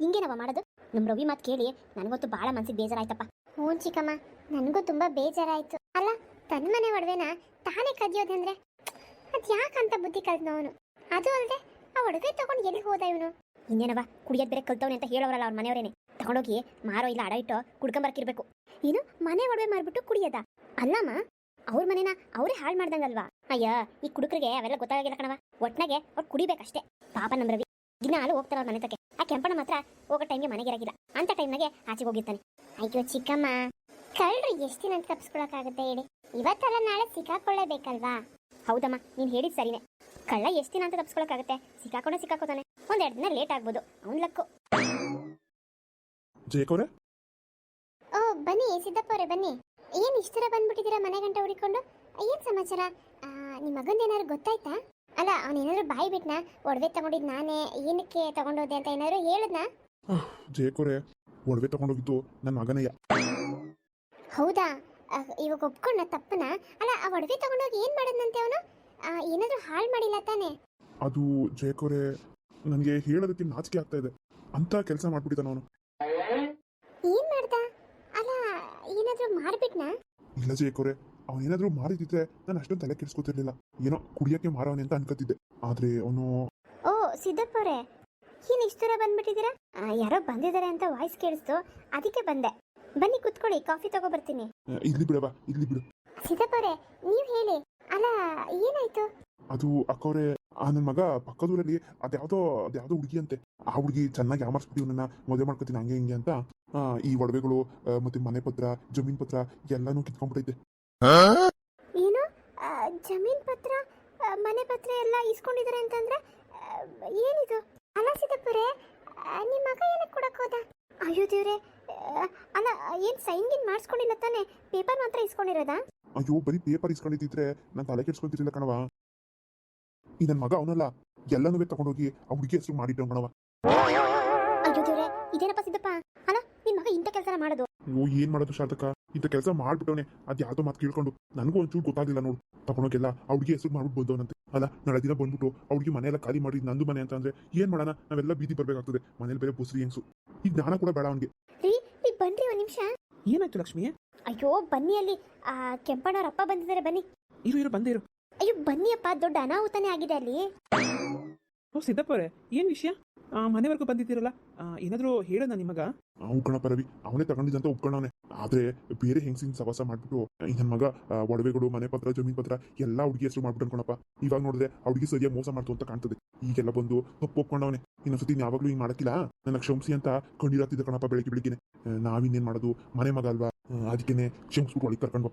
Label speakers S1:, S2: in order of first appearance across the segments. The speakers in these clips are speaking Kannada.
S1: ಹಿಂಗೇನವ ಮಾಡೋದು? ನಮ್ಮ ರವಿ ಮಾತು ಕೇಳಿ ನನಗಂತೂ ಭಾಳ ಮನ್ಸಿಗೆ ಬೇಜಾರಾಯ್ತಪ್ಪ. ಹ್ಞೂ ಚಿಕ್ಕಮ್ಮ, ನನಗೂ ತುಂಬ ಬೇಜಾರಾಯ್ತು. ಅಲ್ಲ, ತನ್ನ ಮನೆ ಒಡವೆನ ತಾನೇ ಕದಿಯೋದಂದ್ರೆ ಅದು ಯಾಕಂತ ಬುದ್ಧಿ ಕಲ್ತ್ನವನು. ಅದು ಅಲ್ಲದೆ ಆ ಒಡವೆ ತಗೊಂಡು ಎಲ್ಲಿ ಹೋದ ಇವನು? ಇನ್ನೇನವ, ಕುಡಿಯೋದು ಬೇರೆ ಕಲ್ತವನೆ ಅಂತ ಹೇಳೋರಲ್ಲ ಅವ್ರ ಮನೆಯವರೇನೆ. ತಗೊಂಡೋಗಿ ಮಾರೋ ಇಲ್ಲ ಅಡ ಇಟ್ಟು ಕುಡ್ಕೊಂಬರ್ಕಿರ್ಬೇಕು. ಏನು ಮನೆ ಒಡವೆ ಮಾರ್ಬಿಟ್ಟು ಕುಡಿಯೋದ? ಅಲ್ಲಮ್ಮ, ಅವ್ರ ಮನೇನ ಅವರೇ ಹಾಳು ಮಾಡ್ದಂಗಲ್ವಾ? ಅಯ್ಯ, ಈ ಕುಡುಕರಿಗೆ ಅವೆಲ್ಲ ಗೊತ್ತಾಗಿಲ್ಲ ಕಣವ. ಒಟ್ನಾಗೆ ಅವ್ರು ಕುಡಿಬೇಕಷ್ಟೇ. ಪಾಪ ನಮ್ಮ ರವಿ ದಿನ ಹಾಲು ಹೋಗ್ತಾರ ಅವ್ರ ಮನೆ ತಕ್ಕೆ. ಆ ಕೆಂಪಣ್ಣ ಮಾತ್ರ ಹೋಗೋ ಟೈಮ್ಗೆ ಮನೆಗೆ ಇರಾಗಿಲ್ಲ. ಅಂತ ಟೈಮ್ನಾಗೆ ಆಚೆಗೆ ಹೋಗಿರ್ತಾನೆ. ಅಯ್ಯೋ ಚಿಕ್ಕಮ್ಮ, ಕಳ್ಳರು ಎಷ್ಟು ದಿನ ಅಂತ ತಪ್ಪಿಸ್ಕೊಳಕ್ಕಾಗುತ್ತೆ ಹೇಳಿ? ಇವತ್ತಲ್ಲ ನಾಳೆ ಸಿಕ್ಕಾಕೊಳ್ಳೇಬೇಕಲ್ವಾ? ಹೌದಮ್ಮ, ನೀನು ಹೇಳಿದ್ ಸರಿನೇ. ಕಳ್ಳ ಎಷ್ಟು ದಿನ ಅಂತ ತಪ್ಪಿಸ್ಕೊಳಕ್ಕಾಗುತ್ತೆ? ಸಿಕ್ಕಾಕೋತಾನೆ. ಒಂದೆರಡು ದಿನ ಲೇಟ್ ಆಗ್ಬೋದು, ಅವ್ನ್ ಲಕ್ಕು.
S2: ಜಯಕವ್ರೆ,
S1: ಓ ಬನ್ನಿ ಸಿದ್ದಪ್ಪ ಅವರೇ, ಬನ್ನಿ. ಏನ್ ಇಷ್ಟರ ಬಂದ್ಬಿಟ್ಟಿದ್ದೀರಾ ಮನೆ ಗಂಟೆ ಹುಡಿಕೊಂಡು? ಏನ್ ಸಮಾಚಾರ? ನಿಮ್ಮ ಮಗಂದ ಏನಾದ್ರು ಗೊತ್ತಾಯ್ತಾ? ಅಲ್ಲ, ಅವನೇನಾದ್ರು ಬಾಯಿ ಬಿಟ್ನಾ? ಒಡವೆ ತಗೊಂಡಿದ್ ನಾನೇ, ಏನಕ್ಕೆ ತಗೊಂಡೋದೆ ಅಂತ ಏನಾದ್ರು ಹೇಳದ್ನಾ?
S2: ಜಯಕವ್ರೆ, ಒಡವೆ ತಗೊಂಡೋಗಿದ್ದು ನನ್ನ ಮಗನಯ್ಯ.
S1: ಹೌದಾ? ಇವಾಗ ಒಪ್ಕೊಂಡ ತಪ್ಪನ? ಅಲ್ಲ, ಆ ಒಡವೆ ತಗೊಂಡೋಗಿ ಏನ್ ಮಾಡದ್ನಂತೆ ಅವನು? ಏನಾದ್ರು ಹಾಳು ಮಾಡಿಲ್ಲ ತಾನೆ?
S2: ಅದು ಜಯಕವ್ರೆ, ನನಗೆ ಹೇಳೋದಕ್ಕೆ ನಾಚಿಕೆ ಆಗ್ತಾ ಇದೆ. ಅಂತ ಕೆಲಸ ಮಾಡ್ಬಿಟ್ಟಿದ್ದಾನ ಅವನು.
S1: ಏನ್ ಮಾಡ್ದ? ಅಲ್ಲ, ಏನಾದ್ರು ಮಾಡ್ಬಿಟ್ನಾ?
S2: ಇಲ್ಲ ಜಯಕವ್ರೆ, ಅವನೇನಾದ್ರೂ ಮಾರಿದಿದ್ರೆ ನಾನು ಅಷ್ಟೊಂದು ತಲೆ ಕೆಡಿಸ್ಕೊತಿರ್ಲಿಲ್ಲ. ಏನೋ ಕುಡಿಯಕ್ಕೆ ಮಾರವನೆ ಅಂತ ಅನ್ಕೋತಿದ್ದೆ. ಆದ್ರೆ ಅವನು...
S1: ಓ ಸಿದ್ದಪ್ಪ ಅವರೇ, ಏನ್ ಇಷ್ಟರ ಬಂದ್ಬಿಟ್ಟಿದ್ದೀರಾ? ಯಾರೋ ಬಂದಿದ್ದಾರೆ ಅಂತ ವಾಯ್ಸ್ ಕೇಳಿಸ್ತು, ಅದಕ್ಕೆ ಬಂದೆ. ಬನ್ನಿ ಕುತ್ಕೊಳ್ಳಿ, ಕಾಫಿ ತಗೋ ಬರ್ತೀನಿ.
S2: ಇಲ್ಲಿ ಬಿಡವಾ, ಇಲ್ಲಿ ಬಿಡು.
S1: ಸಿದ್ದಪ್ಪ ಅವರೇ, ನೀವ್ ಹೇಳಿ. ಅಲ್ಲ, ಏನಾಯ್ತು?
S2: ಅದು ಅಕ್ಕವ್ರೆ, ನನ್ನ ಮಗ ಪಕ್ಕದೂರಲ್ಲಿ ಅದ್ಯಾವುದೋ ಹುಡುಗಿ ಅಂತೆ. ಆ ಹುಡುಗಿ ಚೆನ್ನಾಗಿ ಯಾಮರ್ಸ್ಬಿಟ್ಟು ನನ್ನ ಮದುವೆ ಮಾಡ್ಕೊತೀನಿ ಹಂಗೆ ಹಿಂಗೆ ಅಂತ ಈ ಒಡವೆಗಳು ಮತ್ತೆ ಮನೆ ಪತ್ರ, ಜಮೀನ್ ಪತ್ರ ಎಲ್ಲಾನು ಕಿತ್ಕೊಂಡ್ಬಿಟ್ಟೈತೆ.
S1: ಏನು? ಜಮೀನ್ ಪತ್ರ, ಮನೆ ಪತ್ರ ಎಲ್ಲ ಇಸ್ಕೊಂಡಿದ್ದಾರೆ ಅಂತಂದ್ರೆ ಏನಿದು? ಅಲ್ಲ ಸಿದ್ದಪ್ಪರೇ, ನಿಮ್ಮ ಮಗ ಏನಕ್ಕೆ ಕೊಡಕ್ ಹೋದ? ಅಯ್ಯೋ ದೇವ್ರೆ, ಅಲ್ಲ ಏನ್ ಸೈನ್ ಗಿನ್ ಮಾಡಿಸ್ಕೊಂಡಿಲ್ಲ ತಾನೆ? ಪೇಪರ್ ಮಾತ್ರ ಇಸ್ಕೊಂಡಿರೋದಾ?
S2: ಅಯ್ಯೋ, ಬರೀ ಪೇಪರ್ ಇಸ್ಕೊಂಡಿದ್ದಿದ್ರೆ ನಾನು ತಲೆ ಕೆಡ್ಸ್ಕೊತಿರ್ಲಿಲ್ಲ ಕಣವ. ಈ ನನ್ನ ಮಗ ಅವನಲ್ಲ, ಎಲ್ಲನೂ ತಗೊಂಡೋಗಿ ಆ ಹುಡುಗಿ ಹೆಸರು ಮಾಡಿಟ್ಟು ಕಣವ.
S1: ಅಯ್ಯೋ ದೇವ್ರೆ, ಇದೇನಪ್ಪ ಸಿದ್ದಪ್ಪ? ಅಲ್ಲ, ನಿನ್ ಮಗ ಇಂಥ ಕೆಲಸ ಮಾಡೋದು?
S2: ಅಯ್ಯೋ, ಏನ್ ಮಾಡೋದು ಶಾರದಕ್ಕ, ಇಂಥ ಕೆಲಸ ಮಾಡ್ಬಿಟ್ಟವನೆ. ಅದ್ ಯಾವ್ದೋ ಮಾತು ಕೇಳ್ಕೊಂಡು ನನಗೂ ಒಂಚೂರು ಗೊತ್ತಾಗ್ಲಿಲ್ಲ ನೋಡು. ತಗೊಂಡೋಗೆಲ್ಲ ಆ ಹುಡುಗಿ ಹೆಸರು ಮಾಡ್ಬಿಟ್ಟು ಬಂದವನಂತೆ. ಅಲ್ಲ, ನಾಳೆ ದಿನ ಬಂದ್ಬಿಟ್ಟು ಆ ಹುಡುಗಿ ಮನೆಯೆಲ್ಲ ಖಾಲಿ ಮಾಡಿ ನಂದು ಮನೆ ಅಂತ ಅಂದ್ರೆ ಏನ್ ಮಾಡೋಣ? ನಾವೆಲ್ಲ ಬೀದಿ ಬರ್ಬೇಕಾಗ್ತದೆ. ಮನೇಲಿ ಬೇರೆ ಬುಸ್ರಿ ಹೆಂಗ್ಸು. ಈಗ ಜ್ಞಾನ ಕೂಡ ಬೇಡ ಅವನಿಗೆ.
S1: ಈಗ ಬನ್ರಿ ಒಂದ್ ನಿಮಿಷ.
S3: ಏನಾಯ್ತು ಲಕ್ಷ್ಮಿ?
S1: ಅಯ್ಯೋ ಬನ್ನಿ, ಅಲ್ಲಿ ಕೆಂಪಣ್ಣವ್ರ ಅಪ್ಪ ಬಂದಿದ್ದಾರೆ, ಬನ್ನಿ.
S3: ಇರು ಬಂದೇ ಇರು.
S1: ಅಯ್ಯೋ ಬನ್ನಿ ಅಪ್ಪ, ದೊಡ್ಡ ಅನಾಹುತನೇ ಆಗಿದೆ ಅಲ್ಲಿ.
S3: ಓ ಸಿದ್ದಪ್ಪ ಅವರೇ, ಏನ್ ವಿಷಯ? ಮನೆವರೆಗೂ ಬಂದಿದ್ದೀರಲ್ಲ, ಏನಾದರೂ ಹೇಳೋಣ ನಿಮಗ?
S2: ಉಪ್ಕಣಪ್ಪ ರವಿ, ಅವನೇ ತಗೊಂಡಿದ್ದಂತ ಉಪ್ಕೊಂಡವನೆ. ಆದ್ರೆ ಬೇರೆ ಹೆಂಗಸಿನ ಸವಾಸ ಮಾಡ್ಬಿಟ್ಟು ನನ್ನ ಮಗ ಒಡವೆಗಳು, ಮನೆ ಪತ್ರ, ಜಮೀನ್ ಪತ್ರ ಎಲ್ಲ ಹುಡುಗಿ ಹೆಸರು ಮಾಡ್ಬಿಟ್ಟು ಅನ್ಕೊಳಪ್ಪ. ಇವಾಗ ನೋಡಿದ್ರೆ ಆ ಹುಡುಗಿ ಸರಿಯಾಗಿ ಮೋಸ ಮಾಡ್ತು ಅಂತ ಕಾಣ್ತದೆ. ಈಗೆಲ್ಲ ಬಂದು ತಪ್ಪು ಒಪ್ಕೊಂಡವನೆ. ಇನ್ನೊಂದ್ಸತಿ ಯಾವಾಗ್ಲೂ ಹಿಂಗ್ ಮಾಡಕ್ಕಿಲ್ಲ, ನನ್ನ ಕ್ಷಮಿಸಿ ಅಂತ ಕಂಡಿರಾತಿದ್ದ ಕಣಪ್ಪ. ಬೆಳಿಗ್ಗೆ ನಾವಿನ್ನೇನ್ ಮಾಡೋದು, ಮನೆ ಮಗ ಅಲ್ವಾ, ಅದಕ್ಕೇನೆ ಕ್ಷಮಿಸ್ಬಿಟ್ಟು ಒಳಗೆ ಕರ್ಕೊಂಡ್ಬಪ್ಪ.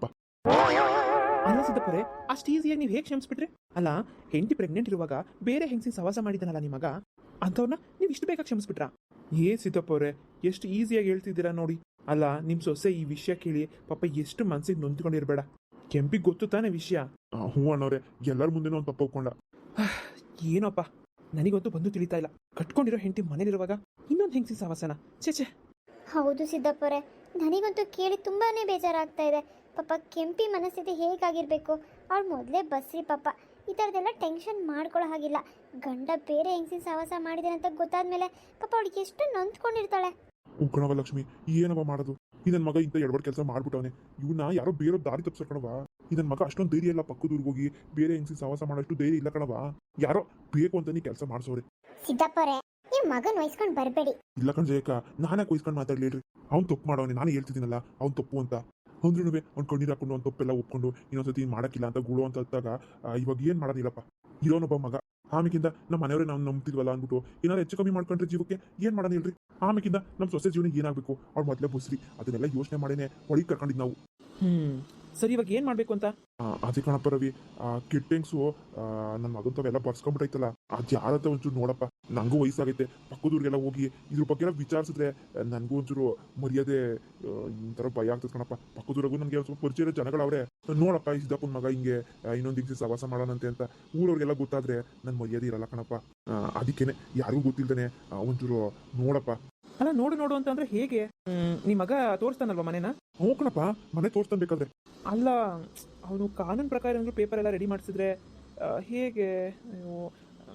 S3: ಅಲ್ಲ ಸಿದ್ದಪ್ಪರೇ, ಅಷ್ಟು ಈಸಿಯಾಗಿ ನೀವು ಹೇಗೆ ಕ್ಷಮಿಸ್ಬಿಟ್ರಿ? ಅಲ್ಲ, ಹೆಂಡತಿ ಪ್ರೆಗ್ನೆಂಟ್ ಇರುವಾಗ ಬೇರೆ ಹೆಂಗಸಿನ ಸವಾಸ ಮಾಡಿದ್ದಾನಲ್ಲ ನಿಮಗ, ಅಂಥವ್ರನ್ನ ನೀವು ಇಷ್ಟು ಬೇಗ ಕ್ಷಮಿಸ್ಬಿಟ್ರಾ? ಸಿದ್ದಪ್ಪ ಅವರೇ, ಎಷ್ಟು ಈಸಿಯಾಗಿ ಹೇಳ್ತಿದ್ದೀರಾ ನೋಡಿ. ಅಲ್ಲ, ನಿಮ್ಮ ಸೊಸೆ ಈ ವಿಷಯ ಕೇಳಿ ಪಾಪ ಎಷ್ಟು ಮನ್ಸಿಗೆ ನೊಂದ್ಕೊಂಡಿರ್ಬೇಡ. ಕೆಂಪಿಗೆ ಗೊತ್ತು ತಾನೇ ವಿಷಯ?
S2: ಹ್ಞೂ ಅಣ್ಣವ್ರೆ, ಎಲ್ಲರ ಮುಂದೆನೂ ಒಂದು ತಪ್ಪು ಒಪ್ಕೊಂಡ.
S3: ಏನೋಪ್ಪ, ನನಗಂತೂ ಬಂದು ತಿಳಿತಾ ಇಲ್ಲ. ಕಟ್ಕೊಂಡಿರೋ ಹೆಂಡತಿ ಮನೇಲಿರುವಾಗ ಇನ್ನೊಂದು ಹೆಂಗಸಿನ ಸವಾಸನ? ಛೇ.
S1: ಹೌದು ಸಿದ್ದಪ್ಪರೇ, ನನಗಂತೂ ಕೇಳಿ ತುಂಬಾನೇ ಬೇಜಾರಾಗ್ತಾ ಇದೆ. ಪಾಪ ಕೆಂಪಿ ಮನಸ್ಥಿತಿ ಹೇಗಾಗಿರ್ಬೇಕು? ಅವಳು ಮೊದಲೇ ಬಸ್ರಿ ಪಾಪ. ಈ ಥರದ್ದೆಲ್ಲ ಟೆನ್ಷನ್ ಮಾಡ್ಕೊಳ್ಳೋ ಹಾಗಿಲ್ಲ. ಗಂಡ ಬೇರೆ ಹೆಂಗಸಿನ ಸಹವಾಸ ಮಾಡಿದಾನೆ ಅಂತ ಗೊತ್ತಾದ್ಮೇಲೆ ಪಾಪ ಅವಳಿಗೆ ಎಷ್ಟು ನೊಂದ್ಕೊಂಡಿರ್ತಾಳೆ.
S2: ಉಕ್ಕಣವ ಲಕ್ಷ್ಮಿ, ಏನವ ಮಾಡೋದು? ಈ ನನ್ನ ಮಗ ಇಂಥ ಎಡವಡ್ ಕೆಲಸ ಮಾಡ್ಬಿಟ್ಟವನೆ. ಇವನ್ನ ಯಾರೋ ಬೇರೆ ದಾರಿ ತಪ್ಪಿಸೋ ಕಣವ. ಈ ನನ್ನ ಮಗ ಅಷ್ಟೊಂದು ಧೈರ್ಯ ಇಲ್ಲ, ಪಕ್ಕದೂರ್ಗೆ ಹೋಗಿ ಬೇರೆ ಹೆಂಗಸಿನ ಸಹವಾಸ ಮಾಡೋಷ್ಟು ಧೈರ್ಯ ಇಲ್ಲ ಕಣವ. ಯಾರೋ ಬೇಕು ಅಂತ ನೀ ಕೆಲಸ ಮಾಡ್ಸೋರೆ.
S1: ಸಿದ್ದಪ್ಪರೇ, ನೀವು ಮಗನ್ ವಹಿಸ್ಕೊಂಡು ಬರಬೇಡಿ.
S2: ಇಲ್ಲ ಕಣ್ ಜಯಕ, ನಾನೇ ಕೊಯ್ಸ್ಕೊಂಡು ಮಾತಾಡ್ಲಿಲ್ರಿ. ಅವ್ನು ತಪ್ಪು ಮಾಡೋನೆ, ನಾನು ಹೇಳ್ತಿದ್ದೀನಲ್ಲ ಅವ್ನು ತಪ್ಪು ಅಂತ. ಅಂದ್ರೂ ಅವ್ನು ಕಣ್ಣೀರು ಹಾಕೊಂಡು ಅವ್ನು ತಪ್ಪೆಲ್ಲ ಒಪ್ಕೊಂಡು ಇನ್ನೊಂದ್ಸತಿ ಮಾಡಕ್ಕಿಲ್ಲ ಅಂತ ಗುಳು ಅಂತ ಹತ್ತಾಗ ಇವಾಗ ಏನ್ ಮಾಡೋದಿಲ್ಲಪ್ಪ. ಇರೋನೊಬ್ಬ ಮಗ, ಆಮೇಕಿಂದ ನಮ್ಮ ಮನೆಯವರೇ ನಾವು ನಂಬ್ತಿದ್ವಲ್ಲ ಅಂದ್ಬಿಟ್ಟು ಏನಾದ್ರು ಹೆಚ್ಚು ಕಮ್ಮಿ ಮಾಡ್ಕೊಂಡ್ರೆ ಜೀವಕ್ಕೆ ಏನ್ ಮಾಡೋಣ ಹೇಳ್ರಿ? ಆಮೇಕಿಂದ ನಮ್ಮ ಸೊಸೆ ಜೀವನ ಏನಾಗಬೇಕು, ಅವ್ಳು ಮೊದಲೇ ಬುಸ್ರಿ. ಅದನ್ನೆಲ್ಲ ಯೋಚನೆ ಮಾಡೇನೆ ಒಳಗೆ ಕರ್ಕೊಂಡಿದ್ ನಾವು.
S3: ಸರಿ, ಇವಾಗ ಏನ್ ಮಾಡ್ಬೇಕು ಅಂತ?
S2: ಅದೇ ಕಣಪ್ಪ ರವಿ, ಕಿಟ್ಟೆಂಗ್ಸು ನನ್ನ ಮಗಂತವೆಲ್ಲ ಬರ್ಸ್ಕೊಂಡ್ಬಿಟ್ಟೈತಲ್ಲ, ಅದ್ ಯಾರಂತ ಒಂಚೂರು ನೋಡಪ್ಪ. ನಂಗೂ ವಯಸ್ಸಾಗೈತೆ, ಪಕ್ಕದೂರಿಗೆಲ್ಲ ಹೋಗಿ ಇದ್ರ ಬಗ್ಗೆ ಎಲ್ಲ ವಿಚಾರಿಸಿದ್ರೆ ನನಗೂ ಒಂಚೂರು ಮರ್ಯಾದೆ ಇಂಥರ ಭಯ ಆಗ್ತದೆ ಕಣಪ್ಪ. ಪಕ್ಕದೂರಿಗೂ ನನಗೆ ಸ್ವಲ್ಪ ಪರಿಚಯ ಜನಗಳವ್ರೆ, ನೋಡಪ್ಪ ಈ ಸಿದ್ದಪ್ಪನ ಮಗ ಹಿಂಗೆ ಇನ್ನೊಂದು ದಿವಸ ಸವಾಸ ಮಾಡೋಣಂತೆ ಅಂತ ಊರವ್ರಿಗೆಲ್ಲ ಗೊತ್ತಾದ್ರೆ ನನ್ನ ಮರ್ಯಾದೆ ಇರಲ್ಲ ಕಣಪ್ಪ. ಅದಕ್ಕೇನೆ ಯಾರಿಗೂ ಗೊತ್ತಿಲ್ದೇನೆ ಒಂಚೂರು ನೋಡಪ್ಪ.
S3: ಅಲ್ಲ, ನೋಡು ಅಂತಂದ್ರೆ ಹೇಗೆ? ನಿಮ್ಮ ಮಗ ತೋರಿಸ್ತಾನಲ್ವಾ ಮನೇನ?
S2: ಹ್ಞೂ ಕಣಪ್ಪ, ಮನೆ ತೋರಿಸ್ತಾನೆ ಬೇಕಾದ್ರೆ.
S3: ಅಲ್ಲ, ಅವನು ಕಾನೂನು ಪ್ರಕಾರ ಪೇಪರ್ ಎಲ್ಲ ರೆಡಿ ಮಾಡಿಸಿದ್ರೆ ಹೇಗೆ?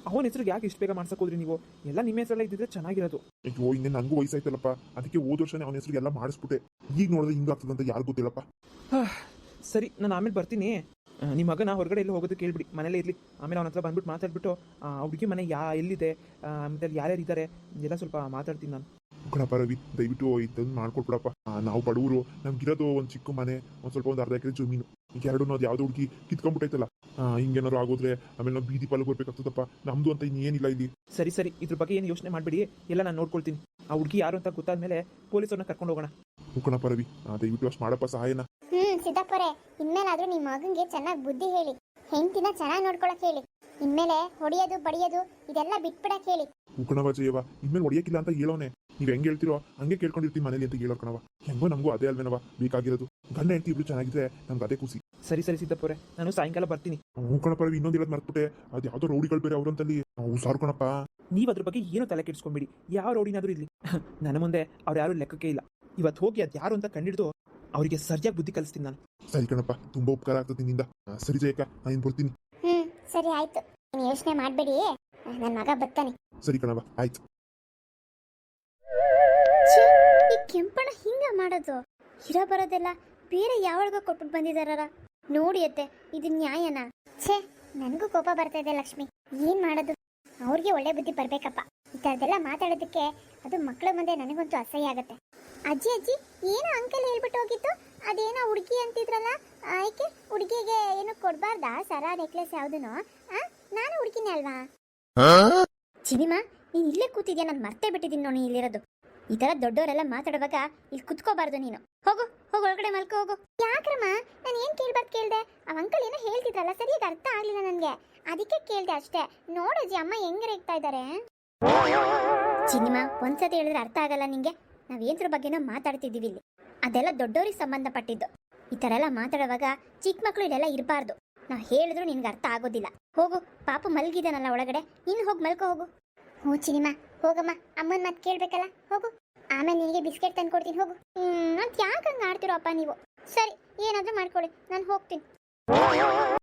S3: ಅವನ ಹೆಸರಿಗೆ ಯಾಕೆ ಇಷ್ಟು ಬೇಗ ಮಾಡ್ಸಕ್ ಹೋದ್ರಿ ನೀವು? ಎಲ್ಲ ನಿಮ್ಮ ಹೆಸರೆಲ್ಲ ಇದ್ದಿದ್ರೆ ಚೆನ್ನಾಗಿರೋದು.
S2: ಅಯ್ಯೋ ಇನ್ನೇ ನನಗೂ ವಯಸ್ಸಾಯ್ತಲ್ಲಪ್ಪ, ಅದಕ್ಕೆ ಹೋದ ವರ್ಷನೇ ಅವನ ಹೆಸರಿಗೆ ಎಲ್ಲ ಮಾಡಿಸ್ಬಿಟ್ಟೆ. ಈಗ ನೋಡಿದ್ರೆ ಹಿಂಗಾಗ್ತದಂತ ಯಾರು ಗೊತ್ತಿಲ್ಲಪ್ಪ.
S3: ಸರಿ, ನಾನು ಆಮೇಲೆ ಬರ್ತೀನಿ. ನಿಮ್ಮ ಮಗನ ಹೊರಗಡೆ ಎಲ್ಲ ಹೋಗೋದಕ್ಕೆ ಕೇಳ್ಬಿಡಿ, ಮನೇಲೇ ಇರಲಿ. ಆಮೇಲೆ ಅವನ ಹತ್ರ ಬಂದ್ಬಿಟ್ಟು ಮಾತಾಡ್ಬಿಟ್ಟು ಹುಡುಗಿ ಮನೆ ಎಲ್ಲಿದೆ, ಮತ್ತೆ ಯಾರ್ಯಾರು ಇದ್ದಾರೆ ಎಲ್ಲ ಸ್ವಲ್ಪ ಮಾತಾಡ್ತೀನಿ ನಾನು.
S2: ಕಣಪ್ಪ ರವಿ, ದಯವಿಟ್ಟು ಇದನ್ನು ಮಾಡ್ಕೊಟ್ಬಿಡಪ್ಪ. ನಾವು ಬಡವರು, ನಮ್ಗಿರೋದು ಒಂದು ಚಿಕ್ಕ ಮನೆ, ಒಂದು ಅರ್ಧ ಎಕರೆ ಜಮೀನು. ಈಗ ಎರಡು ಅದು ಯಾವುದೋ ಹುಡುಗಿ ಕಿತ್ಕೊಂಡ್ಬಿಟ್ಟೈತಲ್ಲ, ಹಿಂಗೇನಾದ್ರು ಆಗೋದ್ರೆ ಆಮೇಲೆ ನಾವು ಬೀದಿ ಪಾಲು ಬರ್ಬೇಕಾಗ್ತದಪ್ಪ. ನಮ್ದು ಅಂತ ಇನ್ನೇನಿಲ್ಲ ಇಲ್ಲಿ.
S3: ಸರಿ ಸರಿ, ಇದ್ರ ಬಗ್ಗೆ ಏನು ಯೋಚನೆ ಮಾಡಬೇಡಿ, ಎಲ್ಲ ನಾನು ನೋಡ್ಕೊಳ್ತೀನಿ. ಆ ಹುಡುಗಿ ಯಾರು ಅಂತ ಗೊತ್ತಾದ್ಮೇಲೆ ಪೊಲೀಸರನ್ನ ಕರ್ಕೊಂಡು ಹೋಗೋಣ.
S2: ಕಣಪ್ಪ ರವಿ, ದಯವಿಟ್ಟು ಅಷ್ಟು ಮಾಡಪ್ಪ ಸಹಾಯನ.
S1: ಸಿದ್ದಪ್ಪರೇ, ಇನ್ಮೇಲಾದ್ರೂ ನಿಮ್ಮ ಮಗಂಗೆ ಚೆನ್ನಾಗಿ ಬುದ್ಧಿ ಹೇಳಿ, ಹೆಂಡತಿನ ಚೆನ್ನಾಗಿ ನೋಡ್ಕೊಳಕ್ ಹೇಳಿ. ಇನ್ಮೇಲೆ ಹೊಡಿಯೋದು ಬಡಿಯೋದು ಇದೆಲ್ಲ ಬಿಟ್ಬಿಡಕ್ ಹೇಳಿ.
S2: ಕಣವ ಜಯವ, ಇನ್ಮೇಲೆ ಹೊಡಿಯಕ್ಕಿಲ್ಲ ಅಂತ ಹೇಳೋನೆ. ನೀವ್ ಹೆಂಗ್ ಹೇಳ್ತಿರೋ ಹಂಗೆ ಕೇಳ್ಕೊಂಡಿರ್ತೀವಿ ಮನೇಲಿ ಅಂತ ಹೇಳೋ ಕಣವ. ಹೆಂಗೋ ನಮಗೂ ಅದೇ ಅಲ್ವೇನವ ಬೇಕಾಗಿರೋದು. ಗಂಡ ಹೆಂಡತಿ ಇಬ್ರು ಚೆನ್ನಾಗಿದ್ರೆ ನಮ್ಗೆ ಅದೇ ಖುಷಿ.
S3: ಸರಿ ಸರಿ ಸಿದ್ದಪ್ಪರೇ, ನಾನು ಸಾಯಂಕಾಲ ಬರ್ತೀನಿ.
S2: ಕಣಪ್ಪ ರವಿ, ಇನ್ನೊಂದು ಹೇಳೋದು ಮರ್ತ್ಬಿಟ್ಟೆ. ಅದು ಯಾವ್ದೋ ರೌಡಿಗಳು ಬೇರೆ ಅವ್ರಂತಲ್ಲಿ. ಹುಷಾರು ಕಣಪ್ಪ.
S3: ನೀವು ಅದ್ರ ಬಗ್ಗೆ ಏನೂ ತಲೆ ಕೆಡಿಸ್ಕೊಂಬಿಡಿ, ಯಾವ ರೌಡಿನಾದ್ರೂ ಇರಲಿ, ನನ್ನ ಮುಂದೆ ಅವ್ರು ಯಾರು ಲೆಕ್ಕಕ್ಕೆ ಇಲ್ಲ. ಇವತ್ತು ಹೋಗಿ ಅದು ಯಾರು ಅಂತ ಕಂಡಿಡ್ದು ಅವರಿಗೆ ಸರಿಯಾಗಿ ಬುದ್ಧಿ ಕಲಿಸ್ತೀನಿ ನಾನು.
S2: ಸರಿ ಕಣಪ್ಪ, ತುಂಬಾ ಉಪಕಾರ ಆಗ್ತದೆ ನಿನ್ನಿಂದ. ಸರಿ ಜಯಕ್ಕ, ನಾನು ಬರ್ತೀನಿ.
S1: ಸರಿ ಆಯ್ತು, ನೀವು ಯೋಚನೆ ಮಾಡಬೇಡಿ, ನನ್ನ ಮಗ ಬರ್ತಾನೆ.
S2: ಸರಿ ಕಣವ, ಆಯ್ತು.
S1: ಈ ಕೆಂಪಣ್ಣ ಹಿಂಗ ಮಾಡೋದು, ಇರೋ ಬರೋದೆಲ್ಲ ಬೇರೆ ಯಾವಾಗ ಕೊಟ್ಬಿಟ್ಟು ಬಂದಿದಾರ ನೋಡಿ ಅತ್ತೆ, ಇದು ನ್ಯಾಯನಾ? ಛೇ, ನನಗೂ ಕೋಪ ಬರ್ತಾ ಇದೆ ಲಕ್ಷ್ಮಿ. ಏನ್ ಮಾಡೋದು, ಅವ್ರಿಗೆ ಒಳ್ಳೆ ಬುದ್ಧಿ ಬರ್ಬೇಕಪ್ಪ. ಈ ಥರದ್ದೆಲ್ಲ ಮಾತಾಡೋದಕ್ಕೆ ಅದು ಮಕ್ಕಳ ಮುಂದೆ ನನಗಂತೂ ಅಸಹ್ಯ ಆಗತ್ತೆ. ಅಜ್ಜಿ ಅಜ್ಜಿ, ಏನೋ ಅಂಕಲ್ ಹೇಳ್ಬಿಟ್ಟು ಹೋಗಿತ್ತು, ಅದೇನೋ ಹುಡುಗಿ ಅಂತಿದ್ರಲ್ಲ, ಆಯ್ಕೆ ಹುಡುಗಿಗೆ ಏನು ಕೊಡ್ಬಾರ್ದಾ ಸರ ನೆಕ್ಲೆಸ್ ಯಾವುದೂ? ನಾನು ಹುಡುಗಿನೇ ಅಲ್ವಾ? ಚಿನಿಮಾ, ನೀನು ಇಲ್ಲೇ ಕೂತಿದ್ಯಾ, ನಾನು ಮರ್ತೇ ಬಿಟ್ಟಿದ್ದೀನಿ ನೋಡಿ ಇಲ್ಲಿರೋದು. ಈ ತರ ದೊಡ್ಡವರೆಲ್ಲ ಮಾತಾಡುವಾಗ ಇಲ್ಲಿ ಕುತ್ಕೋಬಾರ್ದು ನೀನು. ಹೋಗು ಹೋಗು, ಒಳಗಡೆ ಮಲ್ಕೋ ಹೋಗು. ಯಾಕ್ರಮ್ಮ, ನಾನು ಏನ್ ಕೇಳ್ಬಾರ್ದು ಕೇಳ್ದೆ? ಆ ಅಂಕಲ್ ಏನೋ ಹೇಳ್ತಿದ್ರಲ್ಲ, ಸರಿಯಾಗಿ ಅರ್ಥ ಆಗ್ಲಿಲ್ಲ ನನಗೆ, ಅದಕ್ಕೆ ಕೇಳ್ದೆ ಅಷ್ಟೇ. ನೋಡಜ್ಜಿ, ಅಮ್ಮ ಹೆಂಗ್ ರೇಗ್ತಾ ಇದ್ದಾರೆ. ಚಿನಿಮಾ, ಒಂದ್ಸತಿ ಹೇಳಿದ್ರೆ ಅರ್ಥ ಆಗಲ್ಲ ನಿಂಗೆ? ನಾವೇದ್ರ ಬಗ್ಗೆನೋ ಮಾತಾಡ್ತಿದ್ದೀವಿ ಇಲ್ಲಿ, ಅದೆಲ್ಲ ದೊಡ್ಡವ್ರಿಗೆ ಸಂಬಂಧಪಟ್ಟಿದ್ದು. ಈ ತರ ಎಲ್ಲ ಮಾತಾಡುವಾಗ ಚಿಕ್ಕ ಮಕ್ಳು ಇದೆಲ್ಲ ಇರಬಾರ್ದು. ನಾವು ಹೇಳಿದ್ರು ನಿನ್ಗೆ ಅರ್ಥ ಆಗೋದಿಲ್ಲ. ಹೋಗು, ಪಾಪು ಮಲ್ಗಿದಾನಲ್ಲ ಒಳಗಡೆ, ನೀನು ಹೋಗಿ ಮಲ್ಕೋ ಹೋಗು. ಹ್ಞೂ ಚಿನಿಮಾ, ಹೋಗಮ್ಮ, ಅಮ್ಮನ ಮಾತು ಕೇಳ್ಬೇಕಲ್ಲ, ಹೋಗು. ಆಮೇಲೆ ನಿನಗೆ ಬಿಸ್ಕೆಟ್ ತಂದು ಕೊಡ್ತೀನಿ, ಹೋಗು. ಅಂತ ಯಾಕೆ ಹಂಗೆ ಆಡ್ತಿರೋ ಅಪ್ಪ ನೀವು? ಸರಿ, ಏನಾದರೂ ಮಾಡ್ಕೊಳ್ಳಿ, ನಾನು ಹೋಗ್ತೀನಿ.